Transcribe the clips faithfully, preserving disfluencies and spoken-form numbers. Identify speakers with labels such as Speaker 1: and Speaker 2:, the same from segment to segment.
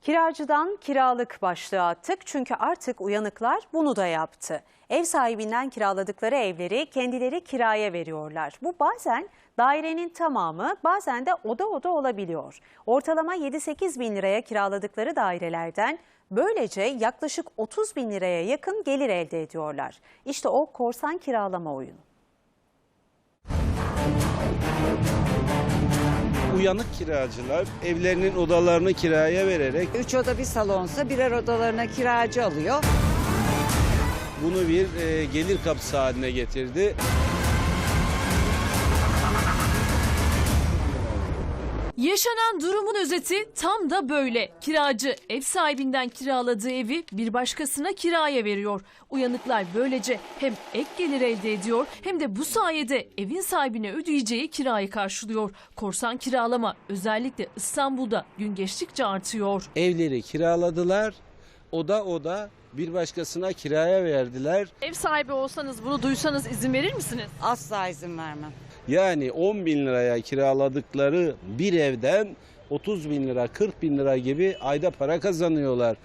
Speaker 1: Kiracıdan kiralık başlığı attık çünkü artık uyanıklar bunu da yaptı. Ev sahibinden kiraladıkları evleri kendileri kiraya veriyorlar. Bu bazen dairenin tamamı, bazen de oda oda olabiliyor. Ortalama yedi sekiz bin liraya kiraladıkları dairelerden böylece yaklaşık otuz bin liraya yakın gelir elde ediyorlar. İşte o korsan kiralama oyunu.
Speaker 2: Uyanık kiracılar evlerinin odalarını kiraya vererek
Speaker 3: Üç oda bir salonsa birer odalarına kiracı alıyor.
Speaker 2: bunu bir e, gelir kapısı haline getirdi.
Speaker 4: Yaşanan durumun özeti tam da böyle. Kiracı ev sahibinden kiraladığı evi bir başkasına kiraya veriyor. Uyanıklar böylece hem ek gelir elde ediyor hem de bu sayede evin sahibine ödeyeceği kirayı karşılıyor. Korsan kiralama özellikle İstanbul'da gün geçtikçe artıyor.
Speaker 2: Evleri kiraladılar, oda oda bir başkasına kiraya verdiler.
Speaker 4: Ev sahibi olsanız, bunu duysanız izin verir misiniz?
Speaker 3: Asla izin vermem.
Speaker 2: Yani on bin liraya kiraladıkları bir evden otuz bin lira, kırk bin lira gibi ayda para kazanıyorlar.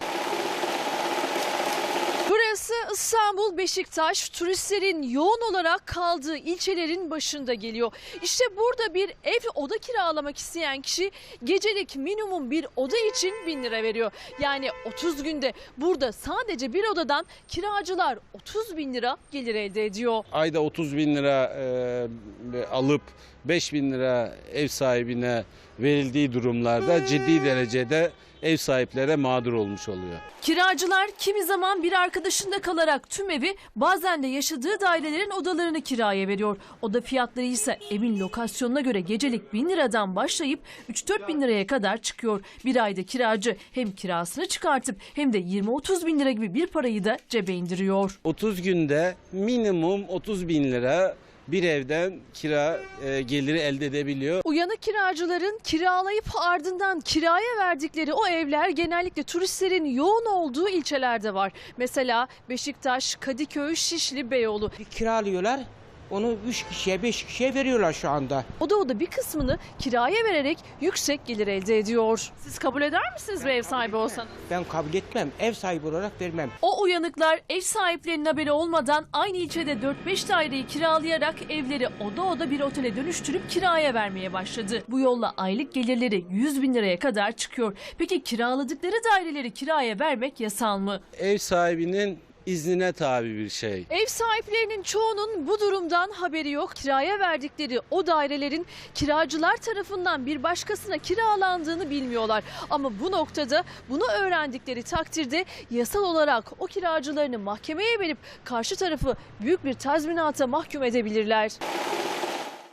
Speaker 4: Burası İstanbul Beşiktaş, turistlerin yoğun olarak kaldığı ilçelerin başında geliyor. İşte burada bir ev oda kiralamak isteyen kişi gecelik minimum bir oda için bin lira veriyor. Yani otuz günde burada sadece bir odadan kiracılar otuz bin lira gelir elde ediyor.
Speaker 2: Ayda otuz bin lira e, alıp beş bin lira ev sahibine verildiği durumlarda ciddi derecede ev sahipleri mağdur olmuş oluyor.
Speaker 4: Kiracılar kimi zaman bir arkadaşında kalarak tüm evi, bazen de yaşadığı dairelerin odalarını kiraya veriyor. Oda fiyatları ise evin lokasyonuna göre gecelik bin liradan başlayıp üç dört bin liraya kadar çıkıyor. Bir ayda kiracı hem kirasını çıkartıp hem de yirmi otuz bin lira gibi bir parayı da cebe indiriyor.
Speaker 2: otuz günde minimum otuz bin lira bir evden kira e, geliri elde edebiliyor.
Speaker 4: Uyanık kiracıların kiralayıp ardından kiraya verdikleri o evler genellikle turistlerin yoğun olduğu ilçelerde var. Mesela Beşiktaş, Kadıköy, Şişli, Beyoğlu.
Speaker 5: Bir kiralıyorlar. Onu üç kişiye beş kişiye veriyorlar şu anda.
Speaker 4: Oda oda bir kısmını kiraya vererek yüksek gelir elde ediyor. Siz kabul eder misiniz bir ev sahibi olsanız?
Speaker 5: Ben kabul etmem. Ev sahibi olarak vermem.
Speaker 4: O uyanıklar ev sahiplerinin haberi olmadan aynı ilçede dört beş daireyi kiralayarak evleri oda oda bir otele dönüştürüp kiraya vermeye başladı. Bu yolla aylık gelirleri yüz bin liraya kadar çıkıyor. Peki kiraladıkları daireleri kiraya vermek yasal mı?
Speaker 2: Ev sahibinin iznine tabi bir şey.
Speaker 4: Ev sahiplerinin çoğunun bu durumdan haberi yok. Kiraya verdikleri o dairelerin kiracılar tarafından bir başkasına kiralandığını bilmiyorlar. Ama bu noktada bunu öğrendikleri takdirde yasal olarak o kiracılarını mahkemeye verip karşı tarafı büyük bir tazminata mahkum edebilirler.